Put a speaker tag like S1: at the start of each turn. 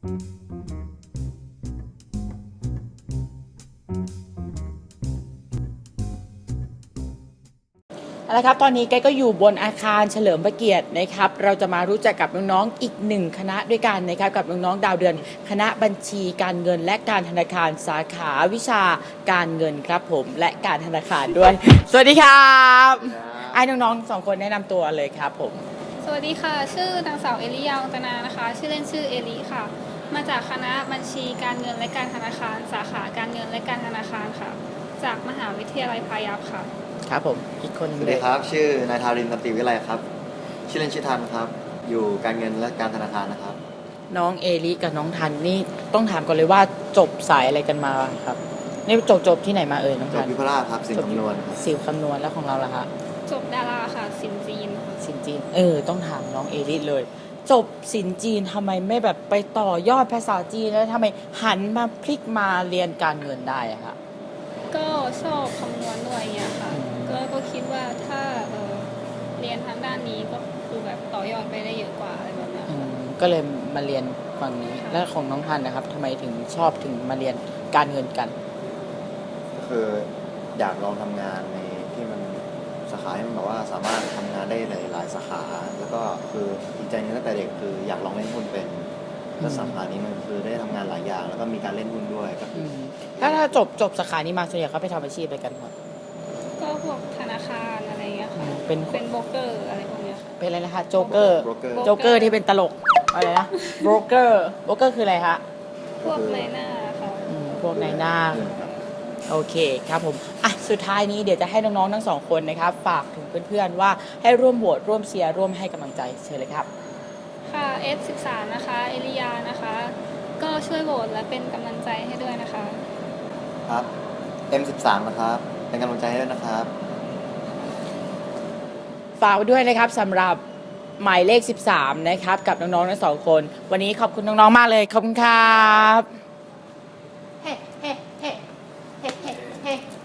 S1: เอาละครับตอนนี้แกก็อยู่บนอาคารเฉลิมพระเกียรตินะครับเราจะมารู้จักกับน้องๆอีกหนึ่งคณะด้วยกันนะครับกับน้องๆดาวเดือนคณะบัญชีการเงินและการธนาคารสาขาวิชาการเงินครับผมและการธนาคารด้วย สวัสดีครับไอ้น้องๆ2คนแนะนำตัวเลยครับผม
S2: สวัสดีค่ะชื่อนางสาวเอลิยาวังตนานะคะชื่อเล่นชื่อเอลิค่ะมาจากคณะบัญชีการเงินและการธนาคารสาขาการเงินและการธนาคารค่ะจากมหาวิทยาลัยพายัพค่ะ
S1: ครับผมอีกคน
S3: สวัสดีครับชื่อนายทารินตันติวิไลครับชื่อเล่นชื่อทันครับอยู่การเงินและการธนาคารนะครับ
S1: น้องเอลิกับน้องทันนี่ต้องถามก่อนเลยว่าจบสายอะไรกันมาครับนี่จบที่ไหนมาน้อง
S3: จ
S1: ทั
S3: บ
S1: น
S3: วิพราชครับสินคำนวณครับ
S1: สิวคำนวณแล้วของเราล่ะฮะ
S2: จบดาราค่ะสินจีนค่ะ
S1: สินจีนต้องถามน้องเอลิเลย จบสินจีนทำไมไม่แบบไปต่อยอดภาษาจีนแล้วทำไมหันมาพลิกมาเรียนการเงินได้อะคะ
S2: ก็ชอบคำนวณด้วยเงี้ยค่ะก็คิดว่าถ้าเรียนทางด้านนี้ก็คือแบบต่อยอดไปได้เยอะกว่าอะไรแบบนี้
S1: ก็เลยมาเรียนฝั่งนี้แล้วของน้องทันนะครับทำไมถึงชอบถึงมาเรียนการเงินกัน
S3: ก็คืออยากลองทำงานในที่มันสาขาที่มันแบบว่าสามารถทำงานได้หลายสาขาแล้วก็คืออีกใจนึงตั้งแต่เด็กคืออยากลองเล่นหุ้นเป็นแล้วสาขานี้มันคือได้ทำงานหลายอย่างแล้วก็มีการเล่นหุ้นด้วยก็คือ
S1: ถ้าจบสาขานี้มาส่วนใหญ่เขาไปทำอาชีพอะไรกันครับ
S2: ก็พวกธนาคารอะไรเงี้ยค่ะ
S1: เป็น
S2: โบรกเกอร์อะไรพวกเนี้ยค่ะ
S1: เป็นอะไรนะคะโจ๊กเกอร์ที่เป็นตลกอะไรนะโบรกเกอร์คืออะไรคะ
S2: พวกนายหน้าค่ะ
S1: พวกนายหน้าโอเคครับผมสุดท้ายนี้เดี๋ยวจะให้น้องๆทั้ง2คนนะครับฝากถึงเพื่อนๆว่าให้ร่วมโหวตร่วมเชียร์ร่วมให้กำลังใจเชิญเลยครับ
S2: ค่ะ F13 นะคะเอลิยานะคะก็ช่วยโหวตและเป็นกำลังใจให้ด้วยนะคะ
S3: ครับ M13 นะครับเป็นกำลังใจให้ด้วยนะครับ
S1: ฝากไว้ด้วยนะครับสำหรับหมายเลข13นะครับกับน้องๆทั้ง2คนวันนี้ขอบคุณน้องๆมากเลยขอบคุณครับเฮ้